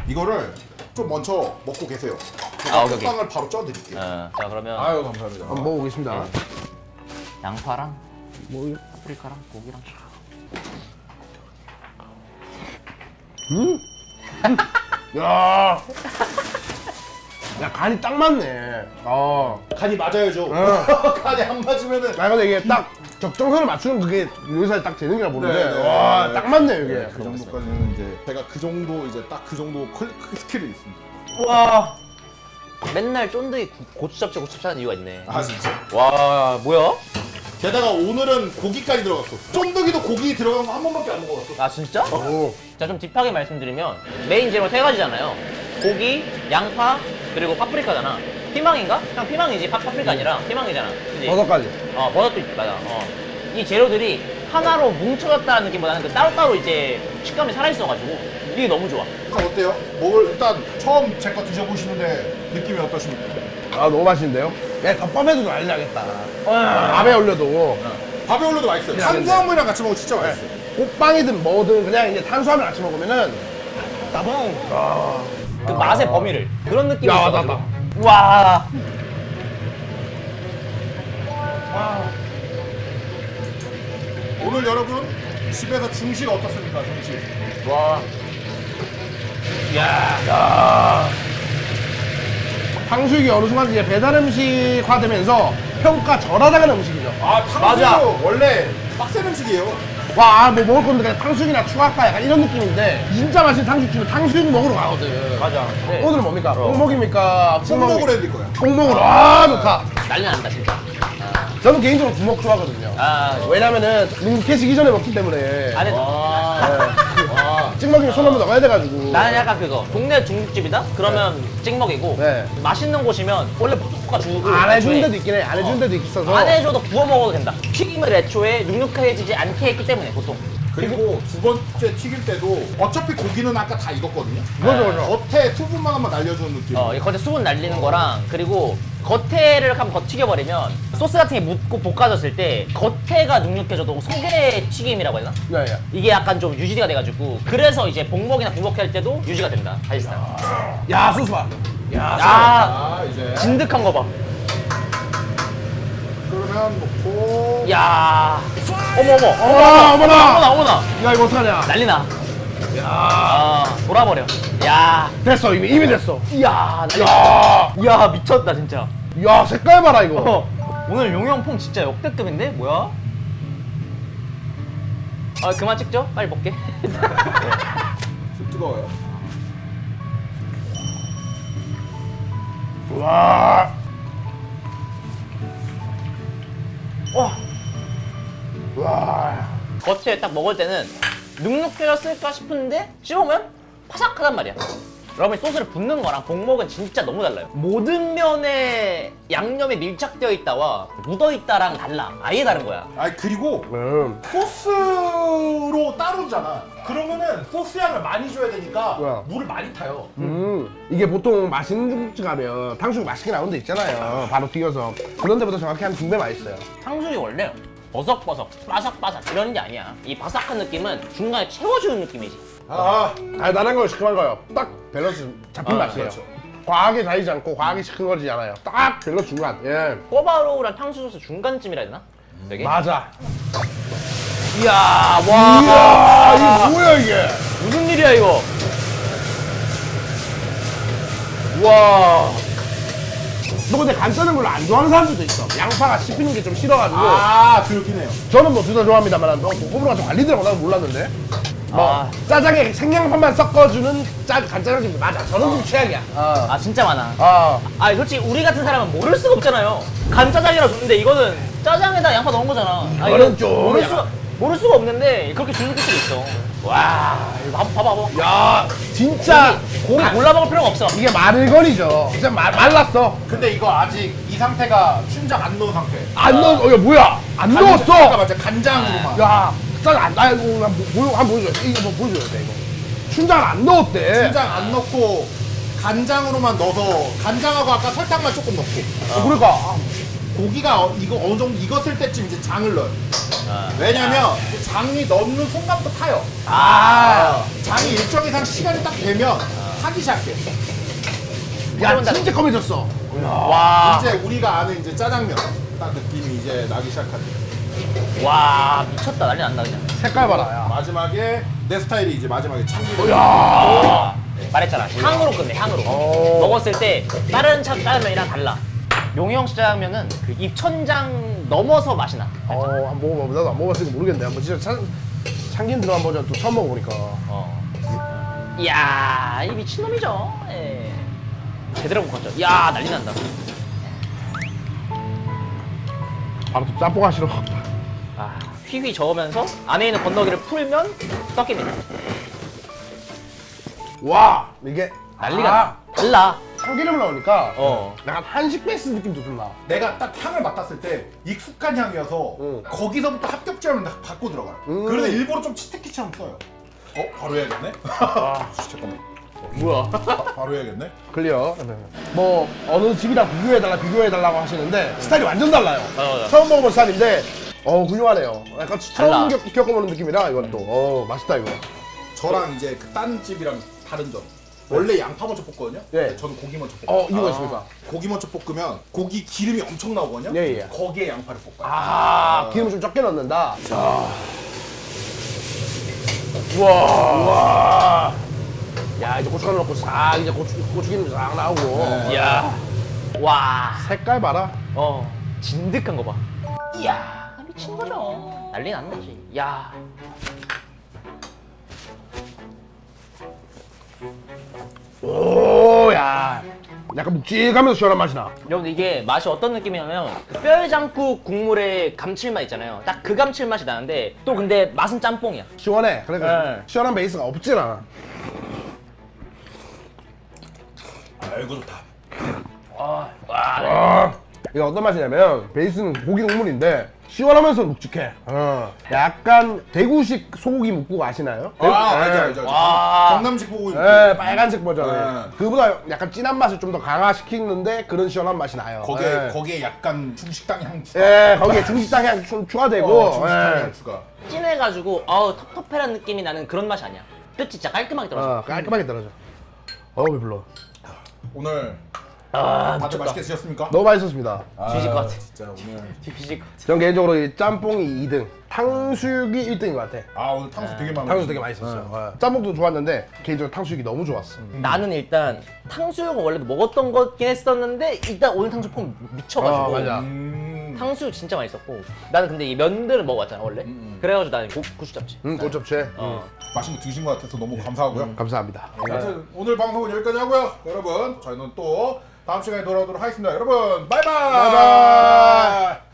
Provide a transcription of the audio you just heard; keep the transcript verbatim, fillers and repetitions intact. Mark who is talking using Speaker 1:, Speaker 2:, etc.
Speaker 1: 이거를 좀 먼저 먹고 계세요.
Speaker 2: 아,
Speaker 1: 제가
Speaker 2: 오케이, 오케이.
Speaker 1: 빵을 바로 쪄드릴게요.
Speaker 2: 어, 자 그러면
Speaker 1: 아유 감사합니다.
Speaker 3: 한번 먹어보겠습니다.
Speaker 2: 양파랑
Speaker 3: 뭐,
Speaker 2: 파프리카랑 고기랑.
Speaker 3: 야, 야 간이 딱 맞네. 어.
Speaker 1: 간이 맞아야죠.
Speaker 3: 어.
Speaker 1: 간이 안 맞으면은
Speaker 3: 나 근데 이게 딱 적정선을 맞추는 그게 요리사에 딱 재능이라 보는데,
Speaker 1: 네, 네,
Speaker 3: 와,
Speaker 1: 네.
Speaker 3: 딱 맞네 이게.
Speaker 1: 그 정도까지는 이제 제가 그 정도 이제 딱 그 정도 클- 그 스킬이 있습니다.
Speaker 2: 와. 맨날 쫀득이 고- 고추 잡채 고추 잡채 하는 이유가 있네.
Speaker 1: 아 진짜.
Speaker 2: 와 뭐야?
Speaker 1: 게다가 오늘은 고기까지 들어갔어. 쫀득이도 고기 들어간 거 한 번밖에 안 먹어봤어.
Speaker 2: 아 진짜?
Speaker 3: 오.
Speaker 2: 자 좀 딥하게 말씀드리면 메인 재료 세 가지잖아요. 고기, 양파, 그리고 파프리카잖아. 피망인가? 그냥 피망이지. 파, 파프리카 아니라 피망이잖아. 그지?
Speaker 3: 버섯 가지.
Speaker 2: 어 버섯도 있 맞아. 어. 이 재료들이 하나로 뭉쳐졌다는 느낌보다는 그 따로따로 이제 식감이 살아있어가지고 이게 너무 좋아.
Speaker 1: 일단 어때요? 먹을 일단 처음 제 거 드셔보시는데 느낌이 어떠십니까?
Speaker 3: 아 너무 맛있는데요? 야 덮밥에도 난리 나겠다. 밥에 올려도
Speaker 1: 밥에 올려도 맛있어요.
Speaker 3: 그래,
Speaker 1: 탄수화물이랑 같이 먹으면 진짜 맛있어요.
Speaker 3: 꽃빵이든 뭐든 그냥 이제 탄수화물 같이 먹으면은 따봉. 아.
Speaker 2: 그 맛의 범위를 그런 느낌이
Speaker 3: 야,
Speaker 2: 있어가지고.
Speaker 3: 맞다.
Speaker 2: 와.
Speaker 1: 오늘 여러분 집에서 중식 어떻습니까? 중식.
Speaker 3: 와.
Speaker 2: 야.
Speaker 3: 야. 탕수육이 어느 순간 이제 배달 음식화되면서 평가 절하다가는 음식이죠.
Speaker 1: 아 탕수육
Speaker 3: 맞아.
Speaker 1: 원래 빡센 음식이에요.
Speaker 3: 와, 뭐 먹을 건데 그냥 탕수육이나 추가할까 약간 이런 느낌인데 진짜 맛있는 탕수육집은 탕수육 먹으러 가거든.
Speaker 2: 맞아. 네.
Speaker 3: 오늘은 뭡니까? 뽕먹입니까?
Speaker 1: 뽕먹으로 해드릴 거야.
Speaker 3: 뽕먹으로. 아, 좋다.
Speaker 2: 난리 난다 진짜.
Speaker 3: 저는 개인적으로 부먹 좋아하거든요.
Speaker 2: 아.
Speaker 3: 왜냐면은 뭉개지기 전에 먹기 때문에
Speaker 2: 안에
Speaker 1: 아,
Speaker 3: 찍먹이면 손 한번 넣어야 돼가지고.
Speaker 2: 나는 약간 그거 동네 중국집이다? 그러면 찍먹이고
Speaker 3: 네.
Speaker 2: 맛있는 곳이면 원래 볶아 주고
Speaker 3: 안 해주는
Speaker 2: 애초에
Speaker 3: 데도 있긴 해. 안 해주는 데도 있어서.
Speaker 2: 안 해줘도 구워 먹어도 된다. 튀김을 애초에 눅눅해지지 않게 했기 때문에 보통.
Speaker 1: 그리고 두 번째 튀길 때도 어차피 고기는 아까 다 익었거든요.
Speaker 3: 그죠, 그죠.
Speaker 1: 겉에 수분만 한번 날려주는 느낌.
Speaker 2: 어, 이 겉에 수분 날리는 거랑 그리고 겉에를 한번 더 튀겨버리면 소스 같은 게 묻고 볶아졌을 때 겉에가 눅눅해져도 속에 튀김이라고 해야 되나?
Speaker 3: 네, 네.
Speaker 2: 이게 약간 좀 유지가 돼가지고 그래서 이제 복먹이나 부먹회 할 때도 유지가 된다 사실상.
Speaker 3: 야, 소스 봐. 야,
Speaker 2: 야
Speaker 1: 아 이제
Speaker 2: 진득한 거 봐.
Speaker 1: 그러면 놓고.
Speaker 2: 야 어머 어머
Speaker 3: 어머나, 어머나.
Speaker 2: 어머나 어머나
Speaker 3: 야, 이거 어떡하냐.
Speaker 2: 난리나.
Speaker 3: 야.
Speaker 2: 아 돌아버려. 야
Speaker 3: 됐어, 이미, 이미 됐어.
Speaker 2: 이야 난리.
Speaker 3: 야.
Speaker 2: 야 미쳤다 진짜.
Speaker 3: 야, 색깔 봐라, 이거.
Speaker 2: 어, 오늘 용영폼 진짜 역대급인데 뭐야? 아 그만 찍죠? 빨리 먹게.
Speaker 1: 좀 뜨거워요.
Speaker 3: 와.
Speaker 2: 와
Speaker 3: 와.
Speaker 2: 겉에 딱 먹을 때는 눅눅해졌을까 싶은데 씹으면 바삭하단 말이야. 여러분 소스를 붓는 거랑 복먹은 진짜 너무 달라요. 모든 면에 양념이 밀착되어 있다와 묻어 있다랑 달라. 아예 다른 거야.
Speaker 1: 아 그리고
Speaker 3: 음.
Speaker 1: 소스로 따로잖아. 그러면은 소스 양을 많이 줘야 되니까
Speaker 3: 뭐야?
Speaker 1: 물을 많이 타요.
Speaker 3: 음. 이게 보통 맛있는 중국집 가면 탕수육 맛있게 나오는 데 있잖아요. 바로 튀겨서. 그런 데보다 정확히 한 두 배 맛있어요.
Speaker 2: 탕수육이 원래 버석버석, 바삭바삭 이런 게 아니야. 이 바삭한 느낌은 중간에 채워주는 느낌이지.
Speaker 1: 아
Speaker 3: 달달한 거요, 시큼한 거요. 딱 밸런스 잡힌
Speaker 2: 아,
Speaker 3: 맛이에요.
Speaker 1: 그렇죠.
Speaker 3: 과하게 달지 않고 과하게 시큰거리지 않아요. 딱 밸런스 중간. 예.
Speaker 2: 꼬바로우랑 탕수육 소스 중간쯤이라 해야 되나? 되게?
Speaker 3: 맞아.
Speaker 2: 이야 와
Speaker 3: 이야, 이게 뭐야 이게?
Speaker 2: 무슨 일이야 이거? 와
Speaker 3: 너 근데 간 짜는 걸 안 좋아하는 사람들도 있어. 양파가 씹히는 게 좀 싫어가지고.
Speaker 1: 아 그렇긴 해요.
Speaker 3: 저는 뭐 둘 다 좋아합니다만, 뭐 호불호가 좀 갈리더라고. 나는 몰랐는데. 뭐
Speaker 2: 아.
Speaker 3: 짜장에 생양파만 섞어주는 짜 간짜장집 맞아. 저는 좀 최악이야. 어.
Speaker 2: 아 진짜 많아.
Speaker 3: 어.
Speaker 2: 아 솔직히 우리 같은 사람은 모를 수가 없잖아요. 간짜장이라 줬는데 이거는 짜장에다 양파 넣은 거잖아. 아,
Speaker 3: 이거는
Speaker 2: 이거
Speaker 3: 좀
Speaker 2: 모를
Speaker 3: 약간-
Speaker 2: 수가 모를 수가 없는데 그렇게 주는 곳들이 있어. 와 이거 봐봐 봐봐. 봐봐.
Speaker 3: 야, 진짜
Speaker 2: 고기
Speaker 3: 가-
Speaker 2: 골라 먹을 필요가 없어.
Speaker 3: 이게 마를거리죠. 진짜 말, 말랐어.
Speaker 1: 근데 이거 아직 이 상태가 춘장 안 넣은 상태.
Speaker 3: 안 넣었, 어, 야, 뭐야? 안
Speaker 1: 아까
Speaker 3: 넣었어.
Speaker 1: 맞아 간장으로만.
Speaker 3: 야, 짠 안, 아, 이거 한 번 보여, 한번 보여줘야 돼. 이거 뭐 보여줘야 돼, 이거. 춘장 안 넣었대.
Speaker 1: 춘장 안 넣고 간장으로만 넣어서 간장하고 아까 설탕만 조금 넣고.
Speaker 3: 어, 그러니까. 아,
Speaker 1: 고기가 어- 이거 어느 정도 익었을 때쯤 이제 장을 넣어요.
Speaker 2: 아.
Speaker 1: 왜냐면 장이 넣는 순간부터 타요.
Speaker 2: 아.
Speaker 1: 장이 일정 이상 시간이 딱 되면 타기 시작해.
Speaker 3: 야 진짜 검해졌어.
Speaker 2: 와,
Speaker 1: 이제 우리가 아는 이제 짜장면 딱 느낌이 이제 나기 시작하지.
Speaker 2: 와 미쳤다 난리 난다 그냥.
Speaker 3: 색깔 봐라. 야.
Speaker 1: 마지막에 내 스타일이 이제 마지막에 참기름.
Speaker 2: 와, 말했잖아 향으로 끝내 향으로.
Speaker 3: 오.
Speaker 2: 먹었을 때 다른 차 짜장면이랑 달라. 용영 씨 짜장면은 그 입천장 넘어서 맛이 나.
Speaker 3: 어 한번 먹어봐. 나도 안 먹어봤으니까 모르겠네. 한번 진짜 참, 참기름 들어간 버전 또 처음 먹어보니까.
Speaker 2: 어. 이야 이 미친놈이죠. 예. 제대로 먹었죠. 이야 난리 난다.
Speaker 3: 바로 또 짬뽕 하시러.
Speaker 2: 아, 휘휘 저으면서 안에 있는 건더기를 풀면 섞입니다.
Speaker 3: 와 이게
Speaker 2: 난리가
Speaker 3: 아,
Speaker 2: 나. 달라.
Speaker 3: 참기름을 넣으니까
Speaker 2: 어.
Speaker 3: 약간 한식 베이스 느낌도 좀 나.
Speaker 1: 내가 딱 향을 맡았을 때 익숙한 향이어서
Speaker 3: 응.
Speaker 1: 거기서부터 합격점을 딱 받고 들어가요.
Speaker 3: 음.
Speaker 1: 그래서 일부러 좀 치트키처럼 써요. 어? 바로 해야겠네? 아, 잠깐만.
Speaker 2: 뭐야?
Speaker 1: 바, 바로 해야겠네?
Speaker 3: 클리어. 뭐 어느 집이랑 비교해달라 비교해달라고 하시는데 스타일이 완전 달라요.
Speaker 2: 맞아, 맞아.
Speaker 3: 처음 먹어본 스타일인데 어 훌륭하네요. 약간 처음
Speaker 2: 달라.
Speaker 3: 겪, 겪어보는 느낌이라 이것도 어 맛있다 이거.
Speaker 1: 저랑 이제 그 딴 집이랑 다른 점. 원래 양파 먼저 볶거든요?
Speaker 3: 네.
Speaker 1: 근데 저는 고기 먼저 볶아요.
Speaker 3: 어 이유가 있습니까?
Speaker 1: 고기 먼저 볶으면 고기 기름이 엄청 나오거든요?
Speaker 3: 예, 예.
Speaker 1: 거기에 양파를 볶아요.
Speaker 3: 아 기름 좀 적게 넣는다. 자. 우와. 우와. 야 이제 고춧가루 넣고 싹 이제 고추 고추기름 싹 나오고.
Speaker 1: 네.
Speaker 2: 이야. 와.
Speaker 3: 색깔 봐라.
Speaker 2: 어. 진득한 거 봐. 이야. 미친 거죠. 난리 난다지. 야.
Speaker 3: 오야. 약간 묵직하면서 시원한 맛이 나.
Speaker 2: 여러분 이게 맛이 어떤 느낌이냐면 뼈해장국 국물의 감칠맛 있잖아요. 딱 그 감칠맛이 나는데 또 근데 맛은 짬뽕이야.
Speaker 3: 시원해. 그러니까
Speaker 2: 네.
Speaker 3: 시원한 베이스가 없진 않아.
Speaker 1: 아이고 좋다.
Speaker 2: 아, 와.
Speaker 3: 아, 이게 어떤 맛이냐면 베이스는 고기 국물인데 시원하면서 묵직해. 어. 약간 대구식 소고기 묵국 아시나요?
Speaker 1: 아, 알죠, 알죠. 알죠.
Speaker 2: 와.
Speaker 1: 경남식 소고기.
Speaker 3: 네, 빨간색 버전.
Speaker 1: 네.
Speaker 3: 그보다 약간 진한 맛을 좀 더 강화시키는데 그런 시원한 맛이 나요.
Speaker 1: 거기에,
Speaker 3: 네.
Speaker 1: 거기에 약간 중식당 향 추가.
Speaker 3: 예, 거기에 중식당 향 좀 추가되고.
Speaker 1: 어, 중식당
Speaker 3: 예.
Speaker 1: 향 추가.
Speaker 2: 진해가지고 어우 텁텁해란 느낌이 나는 그런 맛이 아니야. 끝이 진짜 깔끔하게 떨어져.
Speaker 3: 어, 깔끔하게 떨어져. 어우 배불러.
Speaker 1: 오늘
Speaker 2: 아,
Speaker 1: 다들
Speaker 2: 미쳤다.
Speaker 1: 맛있게 드셨습니까?
Speaker 3: 너무 맛있었습니다.
Speaker 2: 뒤질 것 같아.
Speaker 1: 진짜 오늘.
Speaker 2: 뒤질 것 같아.
Speaker 3: 전 개인적으로 이 짬뽕이 이 등, 탕수육이 일 등인 것 같아.
Speaker 1: 아 오늘 탕수 되게 많아.
Speaker 3: 탕수육 되게 맛있었어요. 예. 짬뽕도 좋았는데 개인적으로 탕수육이 너무 좋았어.
Speaker 2: 나는 일단 탕수육은 원래도 먹었던 거긴 했었는데 일단 오늘 탕수육 폼 미쳐가지고
Speaker 3: 어, 맞아.
Speaker 1: 음.
Speaker 2: 탕수육 진짜 맛있었고 나는 근데 이 면들을 먹어봤잖아 원래.
Speaker 1: 음.
Speaker 2: 그래가지고 나는 고, 고추잡채.
Speaker 3: 응, 고첩채.
Speaker 2: 어.
Speaker 1: 맛있는 거 드신 것 같아서 너무 감사하고요.
Speaker 3: 감사합니다.
Speaker 1: 아무튼 오늘 방송은 여기까지 하고요. 여러분 저희는 또 다음 시간에 돌아오도록 하겠습니다. 여러분 바이바이.
Speaker 3: 바이바이.